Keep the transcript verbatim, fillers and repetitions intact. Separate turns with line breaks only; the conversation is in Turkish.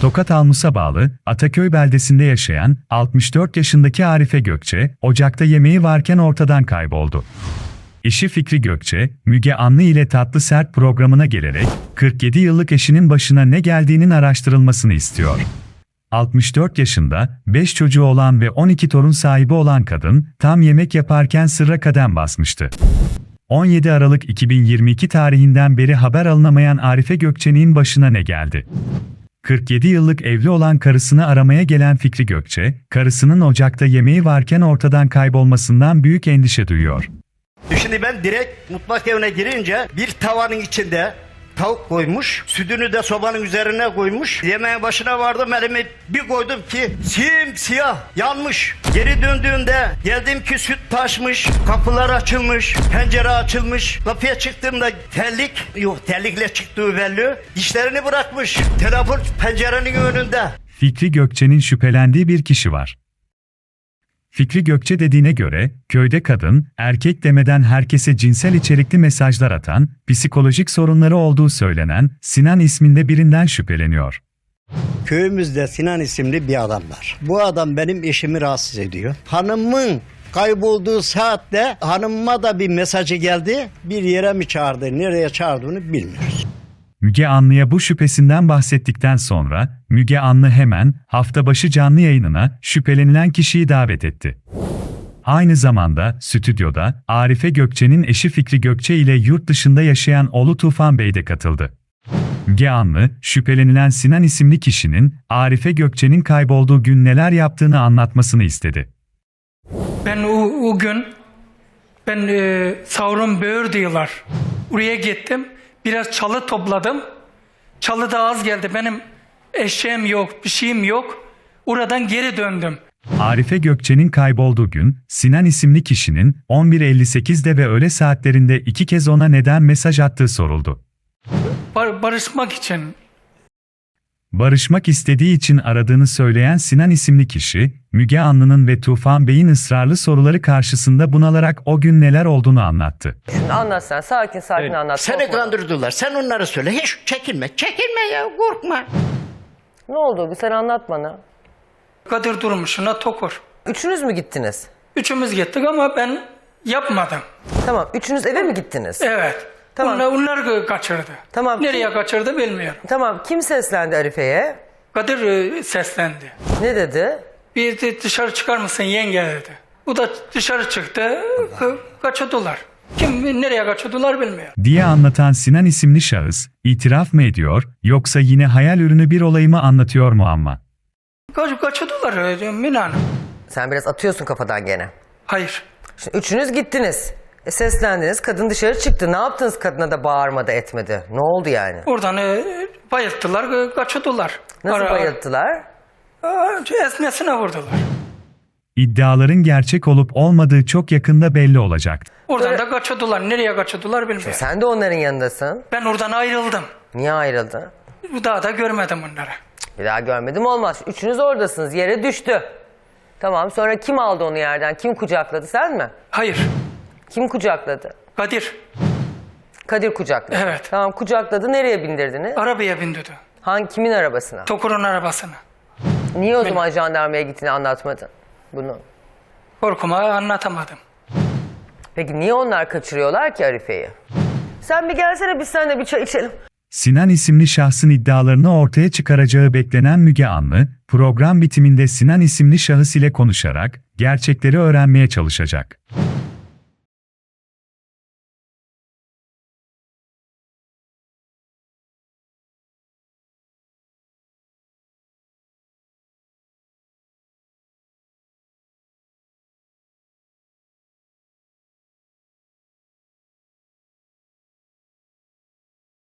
Tokat Almus'a bağlı Ataköy beldesinde yaşayan altmış dört yaşındaki Arife Gökçe, ocakta yemeği varken ortadan kayboldu. Eşi Fikri Gökçe, Müge Anlı ile Tatlı Sert programına gelerek kırk yedi yıllık eşinin başına ne geldiğinin araştırılmasını istiyor. altmış dört yaşında, beş çocuğu olan ve on iki torun sahibi olan kadın, tam yemek yaparken sırra kadem basmıştı. on yedi Aralık iki bin yirmi iki tarihinden beri haber alınamayan Arife Gökçe'nin başına ne geldi? kırk yedi yıllık evli olan karısını aramaya gelen Fikri Gökçe, karısının ocakta yemeği varken ortadan kaybolmasından büyük endişe duyuyor.
Şimdi ben direkt mutfak evine girince bir tavanın içinde tavuk koymuş, sütünü de sobanın üzerine koymuş. Yemeğin başına vardım, elimi bir koydum ki simsiyah yanmış. Geri döndüğümde geldim ki süt taşmış, kapılar açılmış, pencere açılmış. Kapıya çıktığımda terlik, yok terlikle çıktığı belli, dişlerini bırakmış. Telefon pencerenin önünde.
Fikri Gökçe'nin şüphelendiği bir kişi var. Fikri Gökçe dediğine göre, köyde kadın, erkek demeden herkese cinsel içerikli mesajlar atan, psikolojik sorunları olduğu söylenen Sinan isminde birinden şüpheleniyor.
Köyümüzde Sinan isimli bir adam var. Bu adam benim eşimi rahatsız ediyor. Hanımın kaybolduğu saatte hanımıma da bir mesajı geldi. Bir yere mi çağırdı, nereye çağırdığını bilmiyoruz.
Müge Anlı'ya bu şüphesinden bahsettikten sonra, Müge Anlı hemen hafta başı canlı yayınına şüphelenilen kişiyi davet etti. Aynı zamanda stüdyoda Arife Gökçe'nin eşi Fikri Gökçe ile yurt dışında yaşayan oğlu Tufan Bey de katıldı. Müge Anlı, şüphelenilen Sinan isimli kişinin Arife Gökçe'nin kaybolduğu gün neler yaptığını anlatmasını istedi.
Ben o, o gün ben e, Sauron Böğür diyorlar. Oraya gittim. Biraz çalı topladım. Çalı da az geldi. Benim eşeğim yok, bir şeyim yok. Oradan geri döndüm.
Arife Gökçe'nin kaybolduğu gün, Sinan isimli kişinin on bir elli sekizde ve öğle saatlerinde iki kez ona neden mesaj attığı soruldu.
Bar barışmak için.
Barışmak istediği için aradığını söyleyen Sinan isimli kişi, Müge Anlı'nın ve Tufan Bey'in ısrarlı soruları karşısında bunalarak o gün neler olduğunu anlattı.
Şimdi anlat sen, sakin sakin
Evet.
anlat.
Seni
korkma.
kandırdılar, sen onları söyle. Hiç çekinme, çekinme ya, korkma.
Ne oldu? Sen anlat bana.
Kadir Durmuş'una Tokur.
Üçünüz mü gittiniz?
Üçümüz gittik ama ben yapmadım.
Tamam, üçünüz eve mi gittiniz?
Evet.
Tamam.
Onlar, onlar kaçırdı.
Tamam.
Nereye kaçırdı bilmiyorum.
Tamam, kim seslendi Arife'ye?
Kadir e, seslendi.
Ne dedi?
Bir de dışarı çıkar mısın yenge dedi. Bu da dışarı çıktı. Ka kaçırdılar. Kim nereye kaçırdılar bilmiyorum.
Diye anlatan Sinan isimli şahıs, itiraf mı ediyor, yoksa yine hayal ürünü bir olayı mı anlatıyor mu ama?
Kaç kaçırdılar e, Mine Hanım.
Sen biraz atıyorsun kafadan gene.
Hayır.
Şimdi üçünüz gittiniz. E, seslendiniz, kadın dışarı çıktı. Ne yaptınız, kadına da bağırmadı etmedi? Ne oldu yani?
Oradan e, bayılttılar, e, kaçırdılar.
Nasıl
Ara-
bayılttılar?
Aa, esnesine vurdular.
İddiaların gerçek olup olmadığı çok yakında belli olacak.
Oradan
Böyle-
da kaçırdılar. Nereye kaçırdılar bilmiyorum.
Sen de onların yanındasın.
Ben oradan ayrıldım.
Niye ayrıldın?
Daha da görmedim onları.
Bir daha görmedim olmaz. Üçünüz oradasınız, yere düştü. Tamam, sonra kim aldı onu yerden? Kim kucakladı, sen mi?
Hayır.
Kim kucakladı?
Kadir
Kadir kucakladı.
Evet.
Tamam, kucakladı. Nereye bindirdiniz?
arabaya bindirdi.
Hangi, kimin arabasına?
Tokur'un arabasına.
Niye o zaman jandarmaya gittiğini anlatmadın bunu?
Korkuma anlatamadım.
Peki niye onlar kaçırıyorlar ki Arife'yi? Sen bir gelsene, biz seninle bir çay içelim.
Sinan isimli şahsın iddialarını ortaya çıkaracağı beklenen Müge Anlı, program bitiminde Sinan isimli şahıs ile konuşarak gerçekleri öğrenmeye çalışacak.